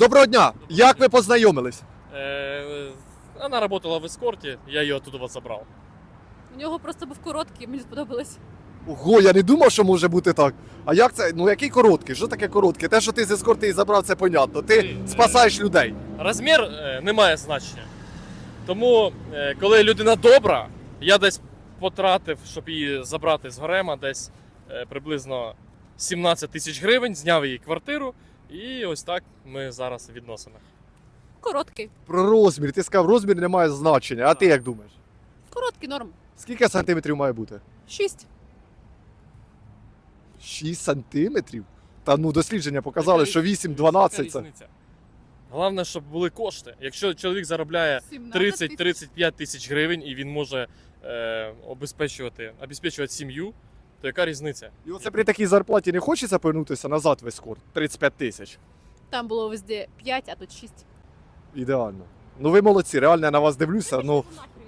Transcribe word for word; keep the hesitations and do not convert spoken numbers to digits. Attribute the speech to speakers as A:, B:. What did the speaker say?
A: Доброго дня! Як ви познайомились?
B: Э, Она работала в эскорте, я ее оттуда вот забрал.
C: У нього просто був короткий, мені сподобалось.
A: Ого, я не думав, що може бути так. А як це? Ну який короткий? Що таке короткий? Те, що ти з ескорти і забрав, це понятно. Ти
B: Ні,
A: спасаєш людей.
B: Розмір е, не має значення. Тому, е, коли людина добра, я десь потратив, щоб її забрати з гарема, десь е, приблизно сімнадцять тисяч гривень, зняв її квартиру, і ось так ми зараз в відносинах.
C: Короткий.
A: Про розмір. Ти сказав, розмір не має значення. А ти як думаєш?
C: Короткий норм.
A: Скільки сантиметрів має бути?
C: Шість.
A: шість сантиметрів? Та ну дослідження показали,
B: Яка
A: що
B: різниця?
A: вісім-дванадцять це.
B: Яка різниця? Головне, щоб були кошти. Якщо чоловік заробляє тридцять-тридцять п'ять тисяч гривень і він може е, обезпечувати, обезпечувати сім'ю, то яка різниця?
A: І оце при такій зарплаті не хочеться повернутися назад в ескорт? тридцять п'ять тисяч.
C: Там було везде п'ять, а тут шість.
A: Ідеально. Ну ви молодці, реально я на вас дивлюся. Ну,